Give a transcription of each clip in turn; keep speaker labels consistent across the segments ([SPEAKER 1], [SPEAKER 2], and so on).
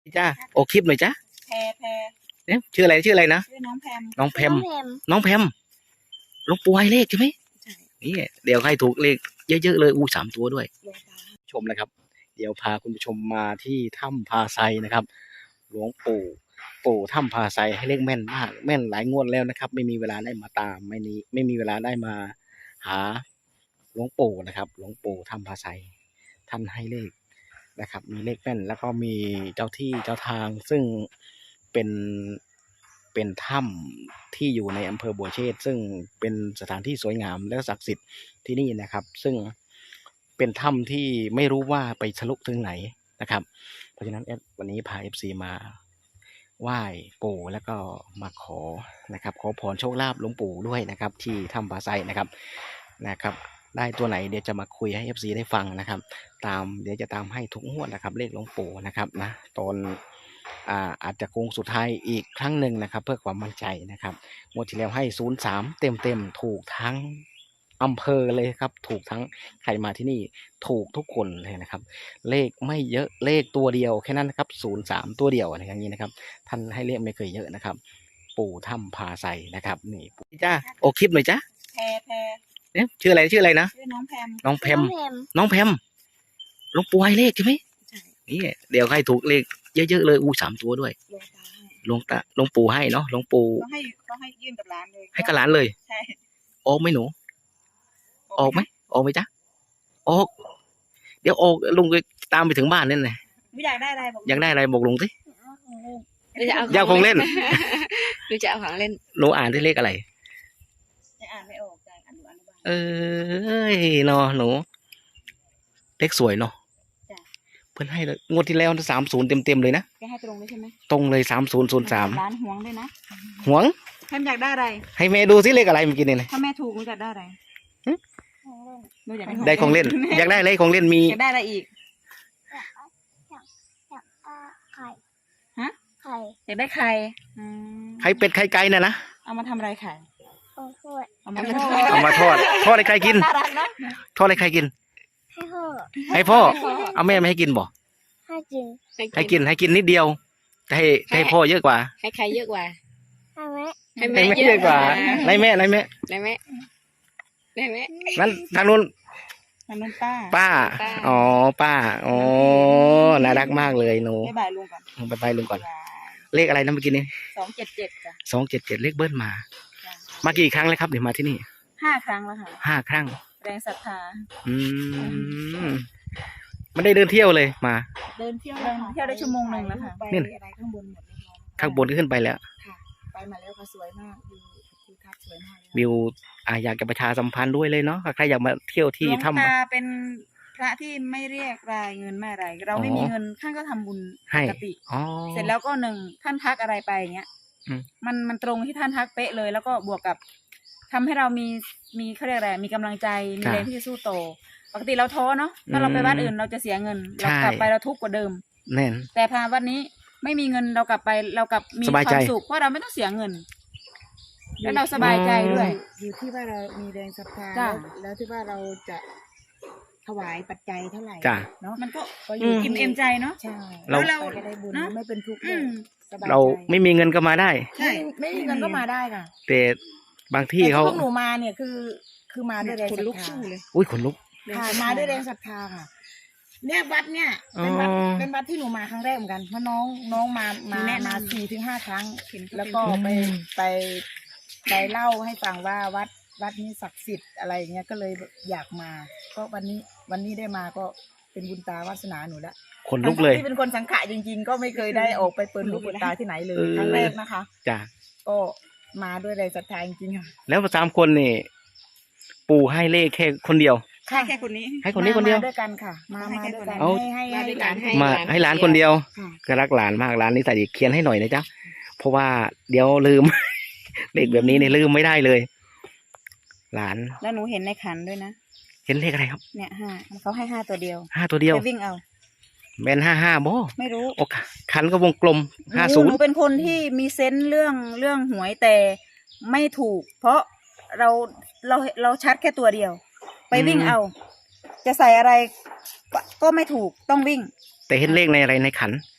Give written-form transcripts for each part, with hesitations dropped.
[SPEAKER 1] จ้าโอคลิปหน่อยจ้า
[SPEAKER 2] แพร
[SPEAKER 1] เนี่ยชื่ออะไรนะ
[SPEAKER 2] ชื่อน้องแพม
[SPEAKER 1] น้องแพมน้องแพมหลวงปู่ให้เลขใช่ไหมนี่เดี๋ยวให้ถูกเลขเยอะๆเลย3 ตัวด้วยชมนะครับเดี๋ยวพาคุณผู้ชมมาที่ถ้ำพาไซนะครับหลวงปู่ถ้ำพาไซให้เลขแม่นมากแม่นหลายงวดแล้วนะครับไม่มีเวลาได้มาตามไม่มีเวลาได้มาหาหลวงปู่นะครับหลวงปู่ถ้ำพาไซท่านให้เลขนะครับมีเลขแม่นแล้วก็มีเจ้าที่เจ้าทางซึ่งเป็นถ้ำที่อยู่ในอำเภอบัวเชษซึ่งเป็นสถานที่สวยงามและศักดิ์สิทธิ์ที่นี่นะครับซึ่งเป็นถ้ำที่ไม่รู้ว่าไปทะลุถึงไหนนะครับเพราะฉะนั้นวันนี้พา FC มาไหว้ปู่แล้วก็มาขอนะครับขอพรโชคลาภหลวงปู่ด้วยนะครับที่ถ้ำผาไซนะครับได้ตัวไหนเดี๋ยวจะมาคุยให้ FC ได้ฟังนะครับเดี๋ยวจะตามให้ทุกงวดนะครับเลขหลวงปู่นะครับนะตอนอาจจะโค้งสุดท้ายอีกครั้งหนึ่งนะครับเพื่อความมั่นใจนะครับงวดที่แล้วให้03เต็มถูกทั้งอำเภอเลยครับถูกทั้งใครมาที่นี่ถูกทุกคนเลยนะครับเลขไม่เยอะเลขตัวเดียวแค่นั้นนะครับ03ตัวเดียวอะไรอย่างนี้นะครับท่านให้เลขไม่เคยเยอะนะครับปู่ถ้ำพาไซนะครับนี่จ้าโอคลิปหน่อยจ้า
[SPEAKER 2] แพร
[SPEAKER 1] เนี่ยชื่ออะไรนะ
[SPEAKER 2] ชื่อน้องแพม
[SPEAKER 1] น้องแพมหลวงปู่ให้เลขใช่ไหมนี่เดี๋ยวให้ถูกเลขเยอะๆเลย3 ตัวด้วยหลวงปู่ให้เนาะหลวงปู่
[SPEAKER 2] ต้องให้ยื่นกับร้านเลย
[SPEAKER 1] ให้กับร้านเลย
[SPEAKER 2] ใช่
[SPEAKER 1] ออกไหมหนูออกไหมจ๊ะออกเดี๋ยวออกลุงก็ตามไปถึงบ้านนั่นแหละ
[SPEAKER 2] อยากได้อะไร
[SPEAKER 1] บอกลุงสิ
[SPEAKER 3] จะเอาของเล่น
[SPEAKER 1] หรือจะเอาของเล่น
[SPEAKER 3] หนูจะเอาของเล่น
[SPEAKER 1] หนูอ่านได้เลขอะไร
[SPEAKER 2] อ่านไม่ออกใจอ่านดูอนุบาล
[SPEAKER 1] เนาะหนูเลขสวยเนาะเพิ่นให้งวดที่แล้ว30เต็มเลยนะ
[SPEAKER 2] แกให้ตรงเลยใช่ไหม
[SPEAKER 1] ตรงเลย3003
[SPEAKER 2] ร้านห่วงด้วยนะ
[SPEAKER 1] ห่วง
[SPEAKER 2] แพมอยากได้อะไร
[SPEAKER 1] ให้แม่ดูสิเลขอะไรเมื่อกี้นี่
[SPEAKER 2] ถ้าแม่ถูกหนูอยากได้อะไร
[SPEAKER 1] ได้ของเล่นอยากได้อะไรของเล่นมี
[SPEAKER 2] อยากได้อะไรอีก
[SPEAKER 4] ไข่
[SPEAKER 2] ฮะ
[SPEAKER 4] ไข่
[SPEAKER 2] อยากได้ไข่
[SPEAKER 1] ไข่เป็ดไข่ไก่น่ะนะ
[SPEAKER 2] เอามาทำอะไรไข่
[SPEAKER 4] เอามา
[SPEAKER 1] ทอดให้ใครกินทอดให้ใครกินให้พ่อเอาแม่ไม่ให้กินบ่ให้กินนิดเดียวให้พ่อเยอะกว่า
[SPEAKER 3] ให้ใครเยอะกว่า
[SPEAKER 1] ให้แม่เยอะกว่าในแม่นั้นทางนู้นป้าอ๋อป้าอ๋อน่ารักมากเลยหนู
[SPEAKER 2] บ๊ายบายลุงก่อน
[SPEAKER 1] บ๊ายบายลุงก่อนเลขอะไรนะเมื่อกี้นี้
[SPEAKER 2] 277จ้ะ
[SPEAKER 1] 277เลขเบิ้ลมากี่ครั้งแล้วครับเดี๋ยวมาที่นี่
[SPEAKER 2] 5 ครั้งแล้วค่ะ
[SPEAKER 1] 5 ครั้ง
[SPEAKER 2] แรงศรัทธา
[SPEAKER 1] มันได้เดินเที่ยวเลยมา
[SPEAKER 2] เดินเที่ยวได้ชั่วโมงนึงแล้วค่ะ
[SPEAKER 1] นี่
[SPEAKER 2] อะไรข้างบนหมด
[SPEAKER 1] ข้างบนก็ขึ้นไปแล้ว
[SPEAKER 2] ค่ะไปมาแล้วค่ะสวยมากวิวทัศน์สวยมาก
[SPEAKER 1] วิวอยากจะประชาสัมพันธ์ด้วยเลยเนาะใครอยากมาเที่ยวที่ถ้ำ
[SPEAKER 2] เป็นพระที่ไม่เรียกรายเงินไม่อะไรเราไม่มีเงินท่านก็ทำบุญปกติเสร็จแล้วก็ท่านทักอะไรไปอย่างเงี้ยมันตรงที่ท่านทักเป๊ะเลยแล้วก็บวกกับทำให้เรามีเขาเรียกอะไรมีกำลังใจมีแรงที่จะสู้โตปกติเราท้อเนาะถ้าเราไปวัดอื่นเราจะเสียเงินเรากลับไปเราทุกข์กว่าเดิม
[SPEAKER 1] แน่น
[SPEAKER 2] แต่พาวัดนี้ไม่มีเงินเรากลับไปเรากลับมีความสุขเพราะเราไม่ต้องเสียเงินแล้วเราสบายใจด้วย
[SPEAKER 4] อยู่ที่ว่าเรามีแรงศรัทธาแล้วที่ว่าเราจะถวายปัจจัยเท่าไหร่
[SPEAKER 2] เนาะมันก็อิ่มเอมใจเนาะ
[SPEAKER 4] ใช่
[SPEAKER 1] เรา
[SPEAKER 4] ได้บุญไม่เป็นทุกข์
[SPEAKER 1] เราไม่มีเงินก็มาได้
[SPEAKER 4] ใช่ไม่มีเงินก็มาได้ค่ะ
[SPEAKER 1] แต่บางที่เขา
[SPEAKER 4] พวกหนูมาเนี่ยคือมาด้วยแรงศรัทธา
[SPEAKER 1] เลยอุ้ยขนลุก
[SPEAKER 4] มาด้วยแรงศรัทธาค่ะเนี่ยวัดเนี่ยเป็นวัดที่หนูมาครั้งแรกเหมือนกันเพราะน้องมา4-5 ครั้งแล้วก็ไปเล่าให้ฟังว่าวัดนี้ศักดิ์สิทธิ์อะไรอย่างเงี้ยก็เลยอยากมาก็วันนี้ได้มาก็เป็นบุญตาวาสนาหนูแล้ว
[SPEAKER 1] คนลุกเลย
[SPEAKER 4] ที่เป็นคนสังขะจริงๆก็ไม่เคยได้ออกไปเปิดลูกเปิดตาที่ไหนเลยครั้งแรกนะคะ
[SPEAKER 1] จ้ะ
[SPEAKER 4] ก็มาด้วยแรงศรัทธาจริงๆค่ะ
[SPEAKER 1] แล้ว3 คนนี่ปู่ให้เลขแค่คนเดียว
[SPEAKER 2] แค่คนนี้
[SPEAKER 1] ให้คนนี้คนเดียว
[SPEAKER 4] ด้วยกันค่ะมาด้วยกัน
[SPEAKER 1] ให้หลานคนเดียวก็รักหลานมากหลานนี่ใส่เขียนให้หน่อยนะจ๊ะเพราะว่าเดี๋ยวลืม เลขแบบนี้เนี่ยลืมไม่ได้เลยหลาน
[SPEAKER 2] แล้วหนูเห็นในขันด้วยนะ
[SPEAKER 1] เห็นเลขอะไรครับ
[SPEAKER 2] เนี่ย5เขาให้5 ตัวเดียว
[SPEAKER 1] 5 ตัวเดียว
[SPEAKER 2] ไปวิ่งเอา
[SPEAKER 1] แม่น55บ่
[SPEAKER 2] ไม่รู้
[SPEAKER 1] โอ้ขันก็วงกลม50
[SPEAKER 2] หนูเป็นคนที่มีเซนส์เรื่องหวยแต่ไม่ถูกเพราะเราชัดแค่ตัวเดียวไปวิ่งเอาจะใส่อะไรก็ไม่ถูกต้องวิ่ง
[SPEAKER 1] แต่เห็นเลขในอะไรในขัน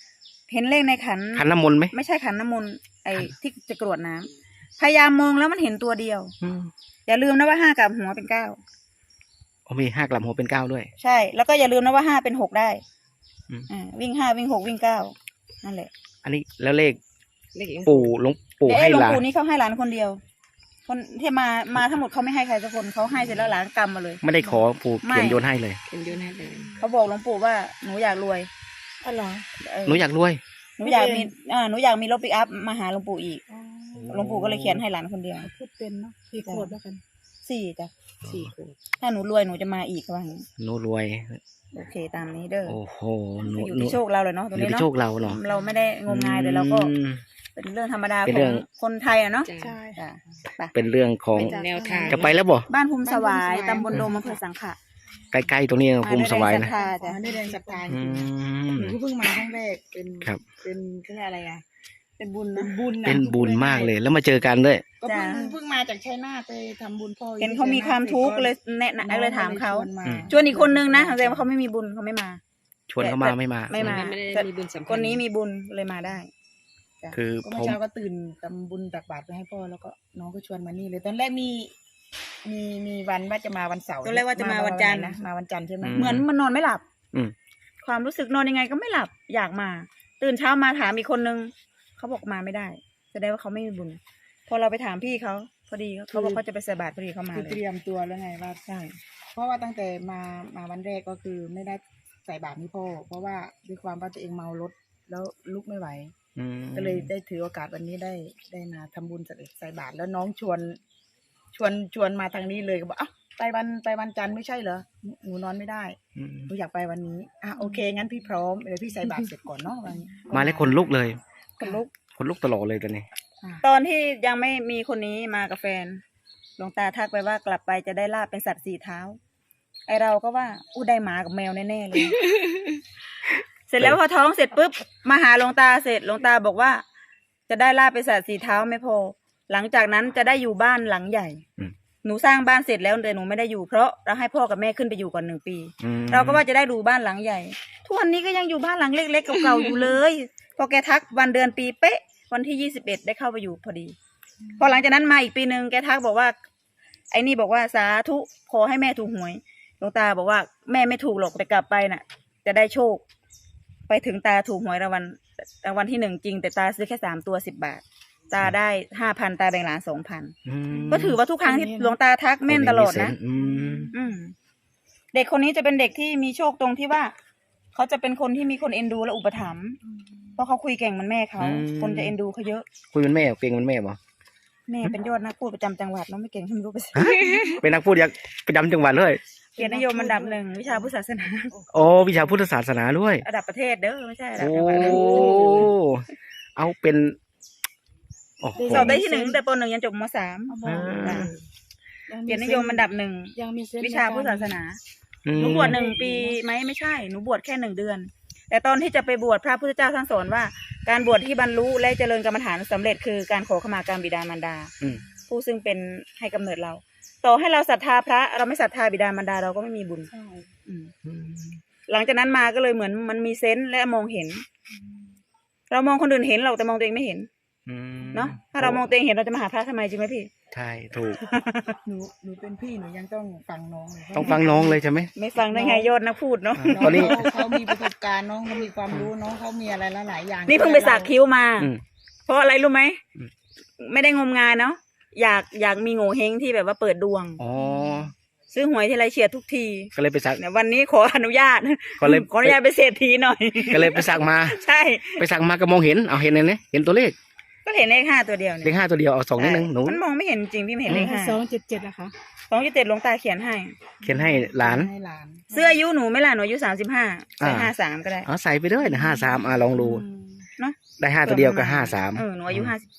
[SPEAKER 2] เห็นเลขในขัน
[SPEAKER 1] ขันน้ำมนต์ไหม
[SPEAKER 2] ไม่ใช่ขันน้ำมนต์ไอ้ที่จะกรวดน้ำพยายามมองแล้วมันเห็นตัวเดียว
[SPEAKER 1] อืม
[SPEAKER 2] อย่าลืมนะว่าห้ากลับหัวเป็นเก้า
[SPEAKER 1] อ๋อมี5 กลับหัวเป็น 9ด้วย
[SPEAKER 2] ใช่ แล้วก็อย่าลืมนะว่าห้าเป็นหกได้
[SPEAKER 1] อืม
[SPEAKER 2] วิ่งห้าวิ่งหกวิ่งเก้านั่นแหละ
[SPEAKER 1] อันนี้แล้วเลข
[SPEAKER 3] เลข
[SPEAKER 1] หลวงปู่
[SPEAKER 2] เดี๋ยว
[SPEAKER 1] ให้
[SPEAKER 2] หลวง
[SPEAKER 1] หลาน
[SPEAKER 2] ปู่นี่เขาให้หลานคนเดียว คนที่มาทั้งหมดเขาไม่ให้ใครสักคนเขาให้เสร็จแล้วหลานกำมาเลย
[SPEAKER 1] ไม่ได้ขอปู่
[SPEAKER 2] ไม่
[SPEAKER 1] เขียนโยนให้เลย
[SPEAKER 3] เป็นโยนให้เลย
[SPEAKER 2] เขาบอกหลวงปู่ว่าหนูอยากรวย
[SPEAKER 4] อ๋อเหรอ
[SPEAKER 1] หนูอยากรวย
[SPEAKER 2] หนูอยากมีหนูอยากมีรถปิกอัพมาหาหลวงปู่อีกหลวงปู่ก็เลยเขียนให้หลานคนเดียว
[SPEAKER 4] พูดเป็นเนาะกี่ขวบแล้วกัน
[SPEAKER 2] 4จ้ะ
[SPEAKER 3] 4 ขวบ
[SPEAKER 2] ถ้าหนูรวยหนูจะมาอีกว่าอย่างนี้
[SPEAKER 1] หนูรวย
[SPEAKER 2] โอเคตามนี้เด้อ
[SPEAKER 1] โอ้โหหนู
[SPEAKER 2] อยู่
[SPEAKER 1] หนู
[SPEAKER 2] ที่โชคเราเลยเนาะตรง
[SPEAKER 1] อยู่
[SPEAKER 2] นี้
[SPEAKER 1] ที่
[SPEAKER 2] เนาะ
[SPEAKER 1] โชคเราเนาะ
[SPEAKER 2] เราไม่ได้งมงายแต่เราก็
[SPEAKER 1] อืม
[SPEAKER 2] เป็นเรื่องธรรมดา
[SPEAKER 1] เป็น
[SPEAKER 2] ข
[SPEAKER 1] เรื่
[SPEAKER 2] อ
[SPEAKER 1] อง
[SPEAKER 2] งคนไทยอะเนาะ
[SPEAKER 4] ใช่
[SPEAKER 2] จ้ะไป
[SPEAKER 1] เป็นเรื่องของ
[SPEAKER 3] เป็นแนวทาง
[SPEAKER 1] จะไปแล้วบ่
[SPEAKER 2] บ้านภูมิสวายตำบลโดมอำเภอสังขะ
[SPEAKER 1] ใกล้ๆตรงนี้ภูมิสวายนะ
[SPEAKER 2] มาด้วยแรงศรัทธา
[SPEAKER 4] จ้ะ
[SPEAKER 2] จ้ะ
[SPEAKER 4] ได้แรงศรัทธาจ
[SPEAKER 1] อื
[SPEAKER 4] ริง
[SPEAKER 1] ม
[SPEAKER 4] หนูก็เพิ่งมาครั้งแรกเป็น
[SPEAKER 1] ครับ
[SPEAKER 4] เป็นเขาเรียกอะไรอ่ะเป็นบุญนะบุญะ
[SPEAKER 1] เป็นบุญมากเลยแล้วมาเจอกันด้วย
[SPEAKER 4] ก็เพิ่งมาจากชัยนาทไปทำบุญพ่อ
[SPEAKER 2] เห็นเขามีความทุกข์เลยแนะนำเลยถามเขา
[SPEAKER 4] ชวนมา
[SPEAKER 2] ชวนอีกคนนึงนะแสดงว่าเขาไม่มีบุญเขาไม่มา
[SPEAKER 1] ชวนเขามาไม่มา
[SPEAKER 2] ไม่มา
[SPEAKER 3] ไม่ได้
[SPEAKER 2] แต่
[SPEAKER 3] มีบุญสัมพันธ์
[SPEAKER 2] คนนี้มีบุญเลยมาได้
[SPEAKER 1] คือ
[SPEAKER 4] ก็
[SPEAKER 1] ผ
[SPEAKER 4] เมื่อ
[SPEAKER 1] ม
[SPEAKER 4] เช้าก็ตื่นทำบุญตักบาตรไปให้พ่อแล้วก็น้องก็ชวนมานี่เลยตอนแรกมีวันว่าจะมาวันเสาร์
[SPEAKER 2] ตอนแรกว่าจะมาวันจันทร์
[SPEAKER 4] นะมาวันจันทร์ใช่ไหม
[SPEAKER 2] เหมือนมันนอนไม่หลับ
[SPEAKER 1] อืม
[SPEAKER 2] ความรู้สึกนอนยังไงก็ไม่หลับ อยากมา ตื่นเช้ามาถามอีกคนนึงเขาบอกมาไม่ได้แสดงว่าเขาไม่มีบุญ พอเราไปถามพี่เขาพอดีเขาบอกเขาจะไปใส่บาตรพอดีเขามา
[SPEAKER 4] คือ
[SPEAKER 2] เล
[SPEAKER 4] เตรี
[SPEAKER 2] ย
[SPEAKER 4] ยมตัวแล้วไงว่าใช่เพราะว่าตั้งแต่มาวันแรกก็คือไม่ได้ใส่บาตรให้พ่อเพราะว่าด้วยความว่าตัวเองเมารถแล้วลุกไม่ไหว
[SPEAKER 1] อืม
[SPEAKER 4] ก็เลยได้ถือโอกาสวันนี้ได้มาทำบุญใส่บาตรแล้วน้องชวนมาทางนี้เลยก็บอกอ้าวไปวันจันทร์ไม่ใช่เหรอหนูนอนไม่ได้
[SPEAKER 1] อืม
[SPEAKER 4] หนูอยากไปวันนี้โอเคงั้นพี่พร้อมเดี๋ยวพี่ใส่บาตรเสร็จก่อนเนาะวันนี้
[SPEAKER 1] มาแล้วคนลุกเลย
[SPEAKER 2] คนลุก
[SPEAKER 1] คนลุกตลอดเลยตอนนี้
[SPEAKER 2] ตอนที่ยังไม่มีคนนี้มากับแฟนหลวงตาทักไปว่ากลับไปจะได้ลาบเป็นสัตว์สี่เท้า ไอเราก็ว่าอู้ได้หมากับแมวแน่ๆเลย เสร็จแล้วพอท้องเสร็จปุ๊บมาหาหลวงตาเสร็จหลวงตาบอกว่า จะได้ลาบเป็นสัตว์สี่เท้าไม่พอ หลังจากนั้นจะได้อยู่บ้านหลังใหญ่
[SPEAKER 1] อืม
[SPEAKER 2] หนูสร้างบ้านเสร็จแล้วแต่หนูไม่ได้อยู่เพราะเราให้พ่อกับแม่ขึ้นไปอยู่ก่อน1 ปี
[SPEAKER 1] อืม
[SPEAKER 2] เราก็ว่าจะได้ดูบ้านหลังใหญ่ ทุกวันนี้ก็ยังอยู่บ้านหลังเล็กๆเก่าๆอยู่เลย พอแกทักวันเดือนปีเป๊ะ วันที่21ได้เข้าไปอยู่พอดี พอหลังจากนั้นมาอีกปีนึงแกทักบอกว่า ไอ้นี่บอกว่าสาธุขอให้แม่ถูกหวยหลวงตาบอกว่าแม่ไม่ถูกหรอกแต่กลับไปน่ะ จะได้โชค ไปถึงตาถูกหวยรางวัลที่1จริงแต่ตาซื้อแค่3 ตัว10 บาท ตาได้5,000ตาแบ่งหลาน2,000
[SPEAKER 1] อืม
[SPEAKER 2] ก็ถือว่าทุกครั้งที่หลวงตาทักแม่นตลอดนะ
[SPEAKER 1] อืม
[SPEAKER 2] อืมเด็กคนนี้จะเป็นเด็กที่มีโชคตรงที่ว่าเขาจะเป็นคนที่มีคนเอ็นดูและอุปถัมภ์เพราะเขาคุยเก่งเหมันแม่เขา คนจะเอ็นดูเขาเยอะ
[SPEAKER 1] คุยเป็นแม่เก่งเป็นแม่บ่
[SPEAKER 2] แม่เป็นยอดนักพูดประจำจังหวัดเน้องไม่เก่งไม่รู้ไปสิ
[SPEAKER 1] เป็นนักพูดอยากประจำจังหวัดเลย
[SPEAKER 2] เกียรตินิยมอันดับ1วิชาพุทธศาสนา
[SPEAKER 1] โอ้วิชาพุทธศาสนาด้วย
[SPEAKER 2] ระดับประเทศเด้อไม่ใช่ระดับ
[SPEAKER 1] โอ้
[SPEAKER 2] จังหวัดนะ
[SPEAKER 1] เอาเป็นโอ้โห
[SPEAKER 2] สอบได้ที่1ตั้งแต่ป .1 ยันจบม .3
[SPEAKER 1] อ่า
[SPEAKER 2] เกียรตินิยมอันดับ
[SPEAKER 4] ยังมีเส้น
[SPEAKER 2] 1วิชาพุทธศาสนา
[SPEAKER 1] อืม
[SPEAKER 2] หนูบวช1 ปีไหมไม่ใช่หนูบวชแค่1 เดือน แต่ตอนที่จะไปบวชพระพุทธเจ้าท่านสอนว่า การบวชที่บรรลุและเจริญกรรมฐานสำเร็จคือการขอขมากรรมบิดามารดา
[SPEAKER 1] อืม
[SPEAKER 2] ผู้ซึ่งเป็นให้กำเนิดเรา ต่อให้เราศรัทธาพระเราไม่ศรัทธาบิดามารดาเราก็ไม่มีบุญ
[SPEAKER 4] ใช่
[SPEAKER 2] อืม
[SPEAKER 1] อืม
[SPEAKER 2] หลังจากนั้นมาก็เลยเหมือนมันมีเซนส์และมองเห็น เรามองคนอื่นเห็นเราแต่มองตัวเองไม่เห็น
[SPEAKER 1] อืม
[SPEAKER 2] เนาะถ้าเรามองตัวเองเห็นเราจะมาหาพระทำไมจริงไหมพี่
[SPEAKER 1] ใช่ถูก
[SPEAKER 4] หนูเป็นพี่หนูยังต้องฟังน้องเลย
[SPEAKER 1] ต้องฟังน้องเลยใช่ไหม
[SPEAKER 2] ไม่ฟังได้ไงยอดนักพูดเนาะ
[SPEAKER 4] น้อง
[SPEAKER 1] ตอนนี้
[SPEAKER 4] เขามีประสบการณ์น้องเขามีความรู้น้องเขามีอะไรหลายๆอย่าง
[SPEAKER 2] นี่เพิ่งไปสักคิ้วมา
[SPEAKER 1] อืม
[SPEAKER 2] เพราะอะไรรู้ไหม
[SPEAKER 1] อืม
[SPEAKER 2] ไม่ได้งมงายเนาะอยากมีโง่เฮงที่แบบว่าเปิดดวง
[SPEAKER 1] อ๋อ
[SPEAKER 2] ซื้อหวยทีไรเฉียดทุกที
[SPEAKER 1] ก็เลยไปสัก
[SPEAKER 2] เนี่ยวันนี้ขออนุญาต
[SPEAKER 1] ก็เลย
[SPEAKER 2] ขออนุญาตไปเศรษฐีหน่อย
[SPEAKER 1] ก็เลยไปสักมา
[SPEAKER 2] ใช่
[SPEAKER 1] ไปสักมาก็มองเห็นเอาเห็นเลยเนี่ยเห็นตัวเลข
[SPEAKER 2] ก็เห็นเลข5ตัวเดียว
[SPEAKER 1] เล
[SPEAKER 2] เนี่ย
[SPEAKER 1] ข5ตัวเดียวเอา2นิดนึงหนู
[SPEAKER 2] มันมองไม่เห็นจริงพี่ไม่เห็นเลขห้า
[SPEAKER 4] 277นะคะ
[SPEAKER 2] 2.7หลวงตาเขียนให้
[SPEAKER 1] เขียนให้หลาน
[SPEAKER 4] ให้หลาน
[SPEAKER 2] เสื้ออายุหนูไม่ล่ะหนูอายุ35ใส่
[SPEAKER 1] อ่า
[SPEAKER 2] 53ก็ได้
[SPEAKER 1] เอาใส่ไปเลยนะ53ลองดู
[SPEAKER 2] เนาะ
[SPEAKER 1] ได้5ตัวเดียวก็
[SPEAKER 2] เออ
[SPEAKER 1] 53
[SPEAKER 2] หนูอายุ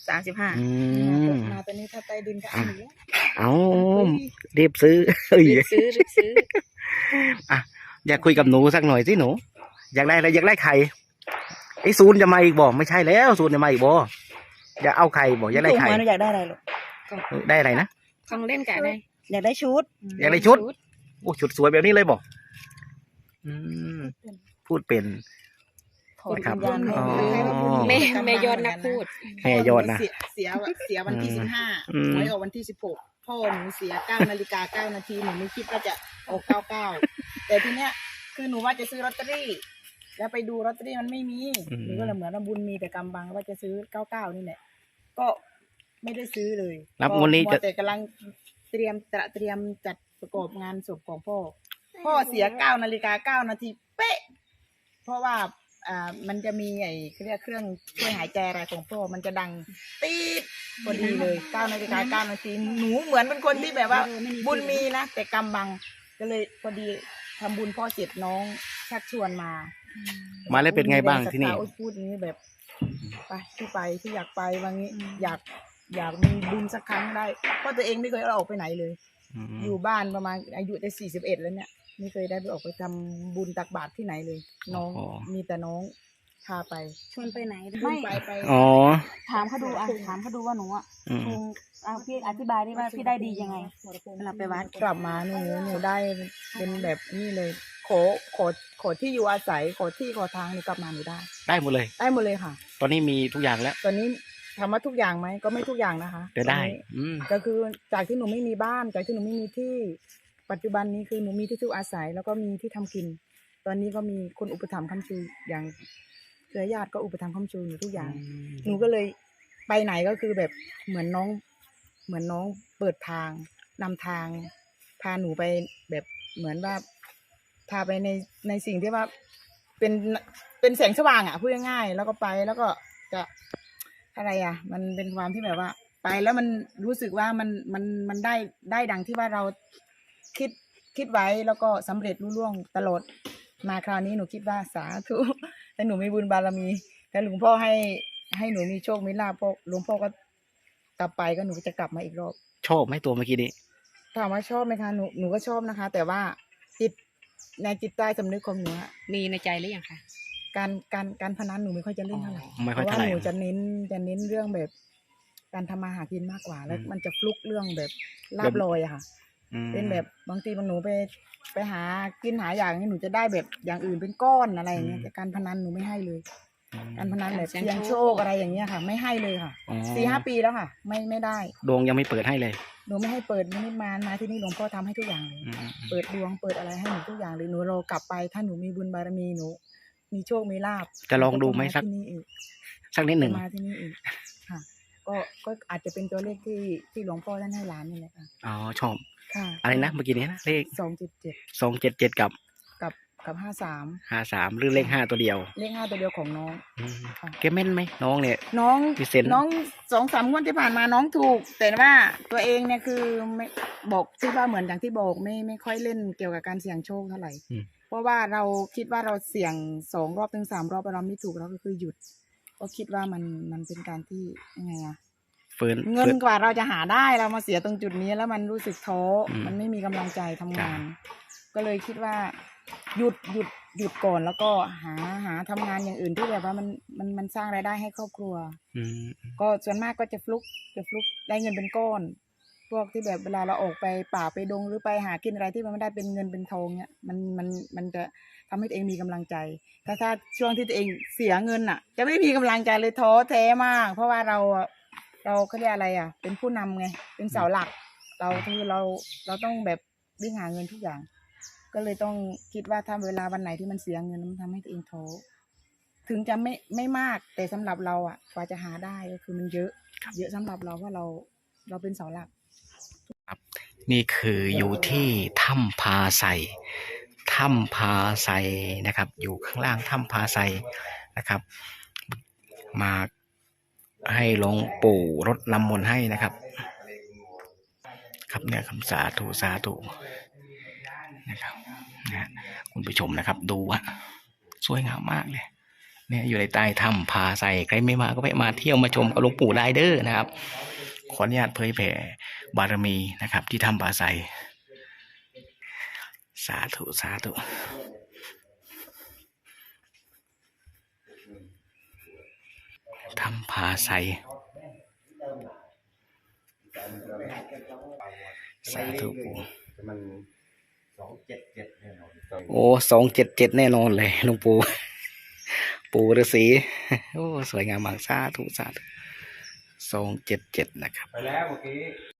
[SPEAKER 2] 35
[SPEAKER 1] อืม
[SPEAKER 4] มาตอนนี้ถ้าใต้ดินก็เอาอยู่แล้ว
[SPEAKER 1] เอารีบซื้อเอ้ย
[SPEAKER 3] รีบซื้อ
[SPEAKER 1] อ่ะอยากคุยกับหนูสักหน่อยสิหนู อยากได้อะไรอยากได้ไข่ไอ้ศูนย์จะมาอีกบ่ไม่ใช่แล้วศูนย์จะมาอีกบ่อยากเอาไข่บ่อยากได้
[SPEAKER 2] ถูก
[SPEAKER 1] ไข่
[SPEAKER 2] หวยหนูอยากได้อะไรลูก
[SPEAKER 1] ได้อะไรนะ
[SPEAKER 3] ของเล่นกับอะไร
[SPEAKER 2] อยากได้ชุด
[SPEAKER 1] อยากได้ชุด โอ้ชุดสวยแบบนี้เลยบ่อืมพูดเป็น
[SPEAKER 2] ขขอ
[SPEAKER 1] นะครับ
[SPEAKER 2] วิญญาณ
[SPEAKER 1] อ๋อ
[SPEAKER 3] แม่ยอดนักพูด
[SPEAKER 1] แม่ยอดนะ
[SPEAKER 4] เสียวันที่
[SPEAKER 1] อืม
[SPEAKER 4] 15หวยออกวันที่ 16พ่อหนูเสีย9:09 นาทีหนูไม่คิดว่าจะออก99แต่ทีเนี้ยคือหนูว่าจะซื้อลอตเตอรี่ แล้วไปดูลอตเตอรี่มันไม่มีหนูก็เลยเหมือนว่าบุญมีแต่กำบังว่าจะซื้อ99นี่แหละก็ไม่ได้ซื้อเลย
[SPEAKER 1] รับงวดนี้จะ
[SPEAKER 4] มัแต่กำลังเตรียมจัดประกอบงานศพของพ่อเสีย9:09 นาทีเป๊ะเพราะว่ามันจะมีเขาเรียกเครื่องช่วยหายใจอะไรของพ่อมันจะดังตีดพอดีเลย9:09 นาทีหนูเหมือนเป็นคนที่แบบว่าบุญมีนะแต่กำบังก็เลยพอดีทำบุญพ่อเสร็จน้องชักชวนมา
[SPEAKER 1] มาแล้วเป็นไงบ้างที่นี่
[SPEAKER 4] พูดอย่างนี้แบบไปที่อยากไปวันนี้อยากมีบุญสักครั้งได้เพราะตัวเองไม่เคยออกไปไหนเลย อยู่บ้านประมาณอายุได้41แล้วเนี่ยไม่เคยได้ไปออกไปทำบุญตักบาตรที่ไหนเลย น้องมีแต่น้องพาไป
[SPEAKER 2] ชวนไปไหน
[SPEAKER 4] ไม่
[SPEAKER 2] ไม่
[SPEAKER 4] ไป
[SPEAKER 1] อ๋อ
[SPEAKER 2] ถามเขาดูถามเขาดูว่าหนูอ่ะ
[SPEAKER 1] อืม
[SPEAKER 2] คงพี่อธิบายได้ว่าพี่ได้ดียังไงเวลาไปวัด
[SPEAKER 4] กลับมาหนูได้เป็นแบบนี้เลยขอที่อยู่อาศัยขอที่ขอทางหนูกลับมาหนูได้
[SPEAKER 1] ได้หมดเลย
[SPEAKER 4] ได้หมดเลยค่ะ
[SPEAKER 1] ตอนนี้มีทุกอย่างแล้ว
[SPEAKER 4] ตอนนี้ถามว่าทุกอย่างไหมก็ไม่ทุกอย่างนะคะ
[SPEAKER 1] แต่ได้
[SPEAKER 4] ตอนนี้
[SPEAKER 1] อืม
[SPEAKER 4] ก็คือจากที่หนูไม่มีบ้านจากที่หนูไม่มีที่ปัจจุบันนี้คือหนูมีที่อยู่อาศัยแล้วก็มีที่ทำกิน ตอนนี้ก็มีคนอุปถัมภ์ค้ำชูอย่างเครือญาติก็อุปถัมภ์ค้ำชูหนูทุกอย่าง หนูก็เลยไปไหนก็คือแบบเหมือนน้องเปิดทางนำทางพาหนูไปแบบเหมือนว่าพาไปในสิ่งที่ว่าเป็นแสงสว่างอ่ะพูดง่ายๆแล้วก็ไปแล้วก็จะอะไรอ่ะ มันเป็นความที่แบบว่า ไปแล้วมันรู้สึกว่ามันได้ดังที่ว่าเราคิดไว้แล้วก็สำเร็จรุ่ล่วงตลอดมาคราวนี้หนูคิดว่าสาธุแต่หนูมีบุญบารมีแต่หลวงพ่อให้หนูมีโชคมีลาภพ่อหลวงพ่อก็กลับไปก็หนูก็จะกลับมาอีกรอบ
[SPEAKER 1] ชอบไหมตัวเมื่อกี้นี้
[SPEAKER 4] ถามว่าชอบไหมคะหนูก็ชอบนะคะ แต่ว่าในจิตใต้สำนึกของหนูอะ
[SPEAKER 3] มีในใจหรือยังคะ
[SPEAKER 4] การพนันหนูไม่ค่อยจะเล่นเท่าไหร่
[SPEAKER 1] ไม่
[SPEAKER 4] เพ
[SPEAKER 1] ค่อย
[SPEAKER 4] ราะว่า
[SPEAKER 1] เท่าไหร่
[SPEAKER 4] หนูจะเน้นเรื่องแบบการทำมาหากินมากกว่า แล้ว
[SPEAKER 1] อืม
[SPEAKER 4] มันจะฟลุกเรื่องแบบลาบลอยอะค่ะ
[SPEAKER 1] อืม
[SPEAKER 4] เป็นแบบบางทีบางหนูไปหากินหาอย่างนี้หนูจะได้แบบอย่างอื่นเป็นก้อนอะไรอย่างเงี้ยแต่การพนันหนูไม่ให้เลย การพนันแบบเสี่ยงโชคอะไรอย่างเงี้ยค่ะ ไม่ให้เลยค่ะ
[SPEAKER 1] อ๋อ
[SPEAKER 4] 4-5 ปีแล้วค่ะ ไม่ได้
[SPEAKER 1] ดวงยังไม่เปิดให้เลย
[SPEAKER 4] หนูไม่ให้เปิดไม่มาที่นี่หลวงพ่อทำให้ทุกอย่างเลย
[SPEAKER 1] อืม
[SPEAKER 4] เปิดดวงเปิดอะไรให้หนูทุกอย่างเลยหนูรอกลับไปถ้าหนูมีบุญบารมีหนูมีโชคมีลาภ
[SPEAKER 1] จะลองดูไหมสัก
[SPEAKER 4] ที่นี่อีก
[SPEAKER 1] สักนิดหนึ่ง
[SPEAKER 4] จะมาที่นี่อีกค่ะ ก็อาจจะเป็นตัวเลขที่หลวงพ่อท่านให้หลานนี่แหละค่ะ
[SPEAKER 1] อ๋อชอบ
[SPEAKER 4] ค่ะ
[SPEAKER 1] อะไรนะเมื่อกี้นี้นะเลข
[SPEAKER 4] 277
[SPEAKER 1] 277กับ
[SPEAKER 4] กับ53
[SPEAKER 1] 53หรือเลข5ตัวเดียว
[SPEAKER 4] เลข5ตัวเดียวของน้อง
[SPEAKER 1] อืม
[SPEAKER 4] ค่ะ
[SPEAKER 1] แกแม่นไหมน้องเนี่ย
[SPEAKER 4] น้อง
[SPEAKER 1] มีเซนส์
[SPEAKER 4] น้อง2-3 งวดที่ผ่านมาน้องถูก แต่ว่าตัวเองเนี่ยคือไม่บอกที่ว่าเหมือนอย่างที่บอกไม่ค่อยเล่นเกี่ยวกับการเสี่ยงโชคเท่าไหร่
[SPEAKER 1] อืม
[SPEAKER 4] เพราะว่าเราคิดว่าเราเสี่ยง2 รอบถึง 3 รอบเราไม่ถูกเราก็คือหยุด ก็คิดว่ามันเป็นการที่ยังไงอะ
[SPEAKER 1] เฟิร์น
[SPEAKER 4] เงินกว่าเราจะหาได้เรามาเสียตรงจุดนี้แล้วมันรู้สึกท้อ
[SPEAKER 1] อืม
[SPEAKER 4] มันไม่มีกำลังใจทำงาน ก็เลยคิดว่าหยุดก่อนแล้วก็หาทำงานอย่างอื่นที่แบบว่ามันสร้างรายได้ให้ครอบครัว
[SPEAKER 1] อืม
[SPEAKER 4] ก็ส่วนมากก็จะฟลุกได้เงินเป็นก้อน พวกที่แบบเวลาเราออกไปป่าไปดงหรือไปหากินอะไรที่มันไม่ได้เป็นเงินเป็นทองเนี่ยมันจะทำให้ตัวเองมีกำลังใจ ถ้าช่วงที่ตัวเองเสียเงินอ่ะ จะไม่มีกำลังใจเลยท้อแท้มาก เพราะว่าเราเขาเรียกอะไรอ่ะ เป็นผู้นำไงเป็นเสาหลัก เราต้องแบบวิ่งหาเงินทุกอย่าง ก็เลยต้องคิดว่าถ้าเวลาวันไหนที่มันเสียเงินมันทำให้ตัวเองท้อถึงจะไม่มากแต่สำหรับเราอ่ะกว่าจะหาได้ก็คือมันเยอะสำหรับเราเพราะเราเป็นเสาหลัก
[SPEAKER 1] นี่คืออยู่ที่ถ้ำพาไซนะครับ อยู่ข้างล่างถ้ำพาไซนะครับ มาให้หลวงปู่รดน้ำมนต์ให้นะครับ ครับเนี่ยคำสาธุนะครับนะคุณผู้ชมนะครับ ดูอะสวยงามมากเลย เนี่ยอยู่ในใต้ถ้ำพาไซใครไม่มาก็ไปมาเที่ยวมาชมกับหลวงปู่ได้เด้อนะครับ ขออนุญาตเผยแผ่บารมีนะครับ ที่ถ้ำพาไซสาธุถ้ำพาไซสาธุปู่
[SPEAKER 5] มัน277แน่นอน
[SPEAKER 1] โอ้277แน่นอนเลยหลวงปู่ปู่ฤาษี โอ้สวยงามมากสาธุ277นะครับ
[SPEAKER 5] ไปแล้วเมื่อกี้